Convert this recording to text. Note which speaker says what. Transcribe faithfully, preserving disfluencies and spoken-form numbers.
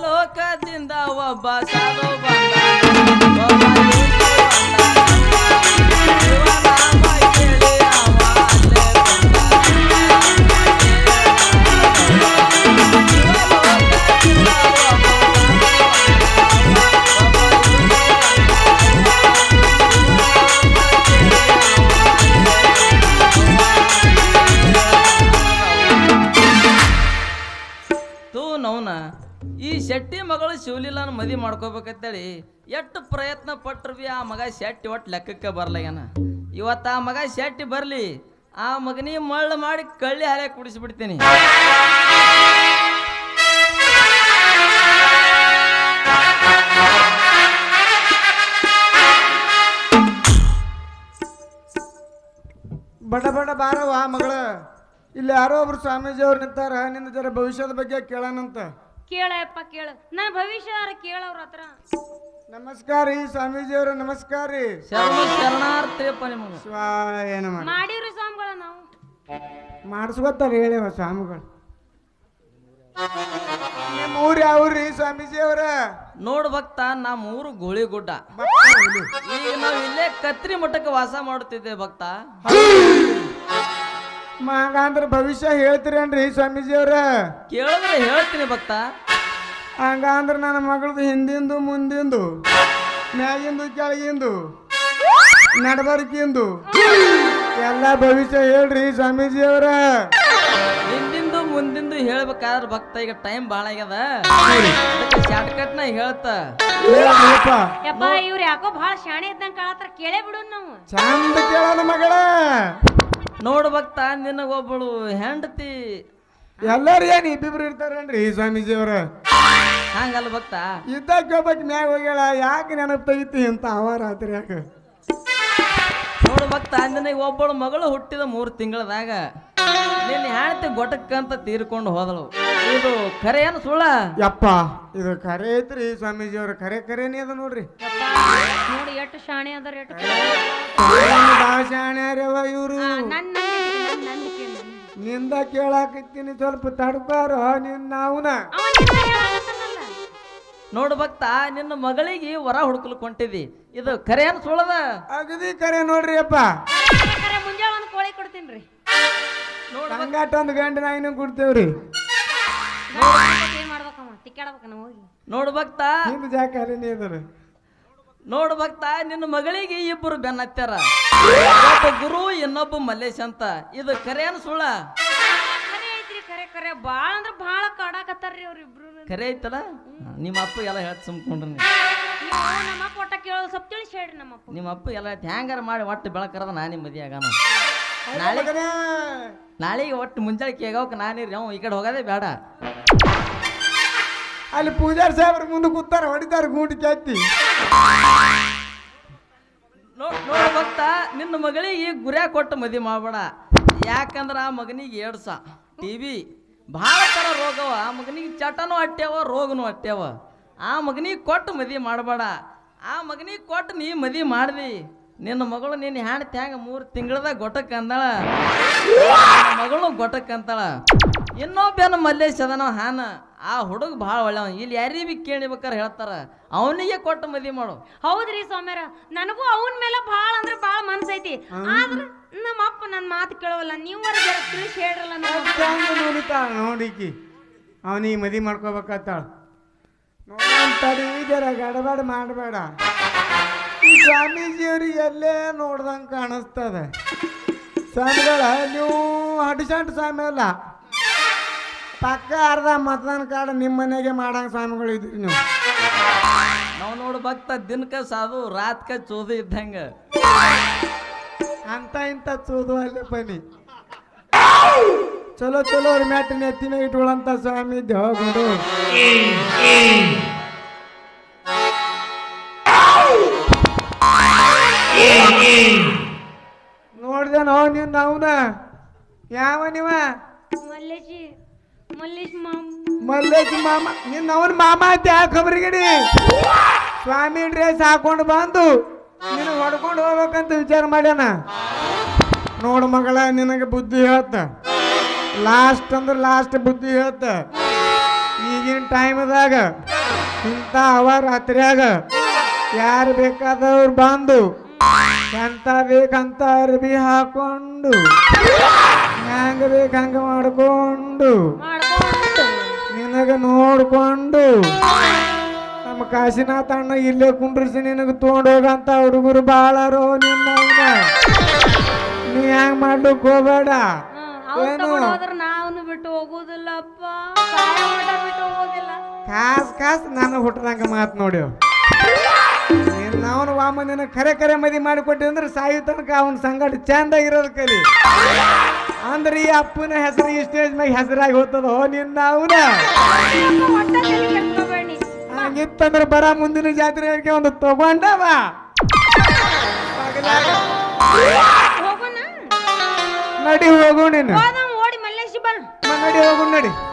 Speaker 1: ಶಿವಲೋಕದಿಂದ ಒಬ್ಬ ಸಾಧು ಬಂದ ಒಬ್ಬ ಯೋಗಿ ಬಂದ ಶಿವನಾಮ ಕೇಳಿ ಅವ ಅಲ್ಲೇ ತೂ ನೌನ ಈ ಶೆಟ್ಟಿ ಮಗಳು ಶಿವಲೀಲಾನ ಮದಿ ಮಾಡ್ಕೋಬೇಕಂತೇಳಿ ಎಷ್ಟು ಪ್ರಯತ್ನ ಪಟ್ರು ಬಿ ಆ ಮಗ ಶೆಟ್ಟಿ ಒಟ್ಟು ಲೆಕ್ಕಕ್ಕೆ ಬರ್ಲಾಗ್ಯಾನ. ಇವತ್ತು ಆ ಮಗ ಶೆಟ್ಟಿ ಬರಲಿ, ಆ ಮಗನಿಗೆ ಮಳ್ಳು ಮಾಡಿ ಕಳ್ಳಿ ಹಾಲೆ ಕುಡಿಸ್ಬಿಡ್ತೀನಿ.
Speaker 2: ಬಡ ಬಡ ಬಾರವ ಮಗಳ. ಇಲ್ಲಿ ಯಾರೋ ಒಬ್ರು ಸ್ವಾಮೀಜಿ ಅವ್ರು ನಿಂತಾರ, ನಿನ್ನ ಜರ ಭವಿಷ್ಯದ ಬಗ್ಗೆ ಕೇಳೋಣಂತ.
Speaker 3: ಕೇಳಪ್ಪ ಕೇಳ, ನನ್ನ ಭವಿಷ್ಯ ಕೇಳವ್ರ ಹತ್ರ.
Speaker 2: ನಮಸ್ಕಾರ ರೀ ಸ್ವಾಮೀಜಿ ಅವ್ರ, ನಮಸ್ಕಾರ ರೀ.
Speaker 1: ಶರಣ ಶರಣಾರ್ಥಿಯಪ್ಪ ನಿಮಗೆ.
Speaker 2: ಸ್ವಾಯನ
Speaker 3: ಮಾಡಿವ್ರಿ ಸ್ವಾಮಿಗಳ ನಾವು
Speaker 2: ಮಾಡಿಸ್ಕೊತಾರ ಹೇಳಿವ ಸ್ವಾಮಿಗಳು. ನಿಮ್ಮ ಊರು ಯಾವ್ರಿ ಸ್ವಾಮೀಜಿ ಅವ್ರ?
Speaker 1: ನೋಡ್ ಭಕ್ತ, ನಮ್ಮ ಊರು ಗೋಳಿಗುಡ್ಡ. ಈಗ ನಾವು ಇಲ್ಲೇ ಕತ್ರಿ ಮಠಕ್ಕೆ ವಾಸ ಮಾಡುತ್ತಿದ್ದೇವೆ ಭಕ್ತ.
Speaker 2: ಹಂಗಂದ್ರ ಭವಿಷ್ಯ ಹೇಳ್ತೀರೇನ್ರಿ ಸ್ವಾಮೀಜಿ ಅವ್ರ?
Speaker 1: ಕೇಳಿದ್ರೆ ಹೇಳ್ತೀನಿ ಭಕ್ತ.
Speaker 2: ಹಂಗಂದ್ರ ನನ್ನ ಮಗಳದು ಹಿಂದಿಂದು ಮುಂದಿಂದು ಮ್ಯಾಗಿಂದು ಕೆಳಗಿಂದು ನಡಬರ್ಕಿಂದು ಎಲ್ಲ ಭವಿಷ್ಯ ಹೇಳ್ರಿ ಸ್ವಾಮೀಜಿ ಅವ್ರ.
Speaker 1: ಹಿಂದಿಂದು ಮುಂದಿಂದು ಹೇಳ್ಬೇಕಾದ್ರೆ ಭಕ್ತ ಈಗ ಟೈಮ್ ಭಾಳ ಆಗ್ಯದ, ಶಾರ್ಟ್ ಕಟ್ ನ ಹೇಳ್ತ.
Speaker 3: ಯಪ್ಪ ಇವ್ರ ಯಾಕೋ ಬಹಳ ಶಾಣೆ ಇದ್ದಂಗ ಕಾಳತ್ರ, ಕೇಳೇ ಬಿಡು ನಾವು.
Speaker 2: ಚಂದ ಕೇಳೋಣ ಮಗಳ.
Speaker 1: ನೋಡು ಭಕ್ತ, ನಿನಗೊಬ್ಬಳು ಹೆಂಡತಿ
Speaker 2: ಎಲ್ಲಾರು ಏನ್ ಇಬ್ಬಿಬ್ರು ಇರ್ತಾರೇನ್ರಿ ಸ್ವಾಮೀಜಿ ಅವ್ರ?
Speaker 1: ಹಂಗಲ್ಲ ಭಕ್ತ,
Speaker 2: ಇದ್ದಾಗ ಕೇಳ್ಬೇಕು ಮ್ಯಾಗ ಹೋಗ್ಯಾಳ, ಯಾಕೆ ನೆನಪು ತೆಗಿತಿ ಅಂತ ಅವ ರಾತ್ರಿ ಯಾಕೆ?
Speaker 1: ನೋಡು ಭಕ್ತ, ನಿನಗೆ ಒಬ್ಬಳು ಮಗಳು ಹುಟ್ಟಿದ ಮೂರು ತಿಂಗಳದಾಗ ನಿನ್ನ ಹೆಂಡತಿ ಗೊಟಕ್ಕಂತ ತೀರ್ಕೊಂಡು ಹೋದಳು. ಇದು ಖರೆ ಏನು ಸುಳ್ಳ?
Speaker 2: ಯಪ್ಪ ಇದು ಖರೆ ಐತ್ರಿ ಸ್ವಾಮೀಜಿ ಅವ್ರ, ಖರೆ ಖರೇನೇ ಅದ ನೋಡ್ರಿ.
Speaker 3: ನೋಡಿ ಎಷ್ಟು ಶಾಣೆ ಅದಾರ, ಎಷ್ಟು
Speaker 2: ಭಾಳ ಶಾಣ್ಯಾರವ ಇವ್ರು.
Speaker 3: ನನ್ನ
Speaker 2: ನಿಂದ ಕೇಳಾಕತ್ತೀನಿ, ಸ್ವಲ್ಪ ತಡ್ಕಾರ ನಿನ್ ನಾವುನ.
Speaker 1: ನೋಡು ಭಕ್ತ, ನಿನ್ನ ಮಗಳಿಗೆ ವರ ಹುಡುಕಲು ಕೊಂಟಿದಿ, ಇದು ಖರೆ ಏನು ಸುಳ್ಳದ?
Speaker 2: ಅಗದಿ ಖರೆ ನೋಡ್ರಿ ಅಪ್ಪ.
Speaker 3: ಮುಂಜಾನೆ ಒಂದು ಕೋಳಿ ಕೊಡ್ತೀನಿ.
Speaker 2: ಹಂಗಾಟ ಒಂದು ಗಂಟೆ ನಾಯಿನ ಕೊಡ್ತೇವ್ರಿ.
Speaker 3: ಏನ್ ಮಾಡ್ಬೇಕಮ್ಮ, ತಿಕ್ಕಾಡ್ಬೇಕ ನಾವು ಹೋಗಿ.
Speaker 1: ನೋಡು ಭಕ್ತ,
Speaker 2: ನಿಂದ ಜಾಕ ಅಲ್ಲಿನೇ ಇದಾರೆ.
Speaker 1: ನೋಡು ಭಕ್ತ, ನಿನ್ನ ಮಗಳಿಗೆ ಇಬ್ಬರು ಬೆನ್ನತ್ತಾರ, ಒಬ್ಬ ಗುರು ಇನ್ನೊಬ್ಬ ಮಲ್ಲೇಶ್ ಅಂತ, ಇದು ಖರೆ ಏನು ಸುಳ್ಳ?
Speaker 3: ಖರೆ ಐತ್ರಿ, ಖರೆ ಖರೆ. ಬಾಳ ಅಂದ್ರ ಬಾಳ ಕಾಡಾಕತ್ತಾರ್ರಿ ಅವ್ರಿಬ್ರು.
Speaker 1: ಖರೆ ಐತಲ್ಲ? ನಿಮ್ಮ ಅಪ್ಪ ಎಲ್ಲ ಹೇಳ್ತ ಸುಮ್ಕೊಂಡ್ರಿ.
Speaker 3: ನಮ್ಮ ಅಪ್ಪ ಒಟ್ಟ ಕೇಳೋದು ಸ್ವಲ್ಪ ತಿಳಿಸಿ ಹೇಳ್ರಿ. ನಮ್ಮ ಅಪ್ಪ
Speaker 1: ನಿಮ್ಮ ಅಪ್ಪ ಎಲ್ಲ ಹ್ಯಾಂಗಾರ ಮಾಡಿ ಒಟ್ಟು ಬೆಳಕರದ ನಾನಿ ಮದಿ ಆಗಾನ. ನಾಳೆ ನಾಳೆಗೆ ಒಟ್ಟು ಮುಂಜಾನೆ ಕೇಗವಕ್ಕೆ ನಾನಿರಿ, ಅವ್ ಈ ಕಡೆ ಹೋಗೋದೇ ಬೇಡ.
Speaker 2: ಅಲ್ಲಿ ಪೂಜಾರಿ ಸಾಹೇಬ್ರ ಮುಂದೆ ಕೂತಾರ, ಹೊಡಿತಾರ ಗೂಟಿ ಕೆತ್ತಿ.
Speaker 1: ನೋಡ ಭಕ್ತ, ನಿನ್ನ ಮಗಳಿಗೆ ಗುರ್ಯಾ ಕೊಟ್ಟು ಮದಿ ಮಾಡಬೇಡ. ಯಾಕಂದ್ರ ಆ ಮಗನಿಗೆ ಏಡ್ಸ, ಟಿ ವಿ ಭಾಳ ಥರ ರೋಗವ. ಆ ಮಗನಿಗೆ ಚಟನೂ ಅಟ್ಟ್ಯಾವ, ರೋಗನೂ ಅಟ್ಟ್ಯಾವ. ಆ ಮಗನಿಗೆ ಕೊಟ್ಟು ಮದಿ ಮಾಡಬೇಡ. ಆ ಮಗನಿಗೆ ಕೊಟ್ಟು ನೀ ಮದಿ ಮಾಡ್ದಿ, ನಿನ್ನ ಮಗಳು ನಿನ್ನ ಹೆಣ್ತಿ ಹ್ಯಾಂಗ ಮೂರು ತಿಂಗಳದಾಗ ಗೊಟ್ಟಕ್ಕೆ ಅಂದಾಳ, ಮಗಳು ಗೊಟ್ಟಕ್ಕೆ ಅಂತಾಳ. ಇನ್ನೊಬ್ಬನ ಮಲ್ಲೇಶ್ ಅದನ ಹಾನ, ಆ ಹುಡುಗ ಭಾಳ ಒಳ್ಳೆವ. ಇಲ್ಲಿ ಯಾರಿಗೆ ಬಿ ಕೇಳಿಬೇಕಾರೆ ಹೇಳ್ತಾರ, ಅವನಿಗೆ ಕೊಟ್ಟು ಮದಿ ಮಾಡು.
Speaker 3: ಹೌದ್ರಿ ಸ್ವಾಮ್ಯಾರ, ನನಗೂ ಅವನ ಮೇಲೆ ಭಾಳ ಅಂದ್ರೆ ಭಾಳ ಮನ್ಸೈತಿ. ಆದ್ರ ನಮ್ಮ ಅಪ್ಪ ನನ್ನ ಮಾತು ಕೇಳೋಲ್ಲ. ನೀವು ಜರ ತಿಳಿಸಿ ಹೇಳ್ರಲ್ಲ.
Speaker 2: ನೋಡಿತಾಳ ನೋಡಿಕಿ ಅವನಿಗೆ ಮದಿ ಮಾಡ್ಕೋಬೇಕಾತಾಳ. ನೋಡಂತಡಿ ಜರ ಗಡಬಡ ಮಾಡಬೇಡ. ಈ ಸ್ವಾಮೀಜಿಯವ್ರಿಗೆ ಎಲ್ಲೇ ನೋಡ್ದಂಗೆ ಕಾಣಿಸ್ತದ. ಸ್ವಾಮಿಗಳ ನೀವು ಹಡಿಸಂಟ್ ಸ್ವಾಮಿ ಅಲ್ಲ, ಪಕ್ಕ ಅರ್ಧ ಮತದಾನ ಕಾರ್ಡ್ ನಿಮ್ಮ ಮನೆಗೆ ಮಾಡಂಗ ಸ್ವಾಮಿಗಳು ಇದ್ರಿ ನೀವು.
Speaker 1: ನಾವು ನೋಡು ಭಕ್ತ, ದಿನಕ ಸಾದು ರಾತ್ಕ ಚೋದು ಇದ್ದಂಗ.
Speaker 2: ಅಂತ ಇಂಥ ಚೋದು ಅಲ್ಲೇ ಬನ್ನಿ. ಚಲೋ ಚಲೋ ಅವ್ರ ಮ್ಯಾಟಿನ ಎತ್ತಿನ ಇಟ್ಕೊಳ್ಳಂತ ಸ್ವಾಮಿ ಇದ್ದೆ ಹೋಗೋದು. ನೋಡ್ದೇನೋ ನೀನ್ ನಾವ್ನ ಯಾವ ನೀವ?
Speaker 3: ಮಲ್ಲೇಶಿ ಮಲ್ಲೇಶ್ ಮಾಮ
Speaker 2: ಮಲ್ಲೇಶ್ ಮಾಮ. ನಿನ್ನ ಅವನ್ ಮಾಮ ಅಂತ ಯಾಕೆ ಖಬರಿಗಡಿ? ಸ್ವಾಮಿ ಡ್ರೆಸ್ ಹಾಕೊಂಡು ಬಂದು ನಿನ್ನ ಹೊಡ್ಕೊಂಡು ಹೋಗ್ಬೇಕಂತ ವಿಚಾರ ಮಾಡ್ಯಾನ. ನೋಡು ಮಗಳ, ನಿನಗೆ ಬುದ್ಧಿ ಹೇಳ್ತ. ಲಾಸ್ಟ್ ಅಂದ್ರೆ ಲಾಸ್ಟ್ ಬುದ್ಧಿ ಹೇಳ್ತ. ಈಗಿನ ಟೈಮ್ದಾಗ ಇಂಥ ಅವ ರಾತ್ರಿಯಾಗ ಯಾರು ಬೇಕಾದವ್ರು ಬಂದು ಎಂತ ಬೇಕಂತ ಅರ್ಬಿ ಹಾಕೊಂಡು ಹ್ಯಾಂಗ ಬೇಕು ಹಂಗ ಮಾಡ್ಕೊಂಡು
Speaker 3: ಮಾಡ್ಕೊಂಡು
Speaker 2: ನಿನಗ ನೋಡ್ಕೊಂಡು ನಮ್ಮ ಕಾಶಿನಾಥ ಅಣ್ಣ ಇಲ್ಲೇ ಕುಂಡ್ರಿಸಿ ನಿನಗೆ ತೊಗೊಂಡೋಗಂತ ಹುಡುಗರು ಬಾಳಾರೋ ನಿನ್ನ ನೀ ಹ್ಯಾಂಗ ಮಾಡ್ಲಿಕ್ಕೆ ಹೋಗ್ಬೇಡ.
Speaker 3: ಅವ್ರು
Speaker 2: ಏನು
Speaker 3: ತಗೊಂಡ್ ಹೋದ್ರ ನಾವ್ನು ಬಿಟ್ಟು ಹೋಗುದಿಲ್ಲಪ್ಪ, ಸಾಯೋ ಮಟ ಬಿಟ್ಟು ಹೋಗೋದಿಲ್ಲ.
Speaker 2: ಕಾಸ್ ಕಾಸ್ ನಾನು ಹುಟ್ಟದಂಗ ಮಾತು ನೋಡಿ ಅವನು ವಾಮ ನಿನ್ನ ಕರೆ ಕರೆ ಮದಿ ಮಾಡಿಕೊಟ್ಟಿ ಅಂದ್ರೆ ಸಾಯು ತನಕ ಅವನ ಸಂಗಟ ಚಂದ ಇರೋದು ಕಲಿ. ಅಂದ್ರೆ ಈ ಅಪ್ಪನ ಹೆಸರು ಈ ಸ್ಟೇಜ್ ಮ್ಯಾಗ ಹೆಸರಾಗಿ ಹೋಗ್ತದೋ ನಿನ್ನ ಅವನ
Speaker 3: ಒಟ್ಟ ತಲೆ ಕೆಡ್ಸ್ಕೊಬೇಡಿ.
Speaker 2: ಹಂಗಿತ್ತಂದ್ರೆ ಬರ ಮುಂದಿನ ಜಾತ್ರೆಗೆ ಒಂದು ತಗೊಂಡವ
Speaker 3: ಹೋಗೋಣ
Speaker 2: ನಡಿ ಹೋಗು ನೀನು
Speaker 3: ಹೋದಂ ಓಡಿ ಮಲ್ಲೇಶ್ ಬಾ
Speaker 2: ನಡಿ ಹೋಗು ನಡಿ.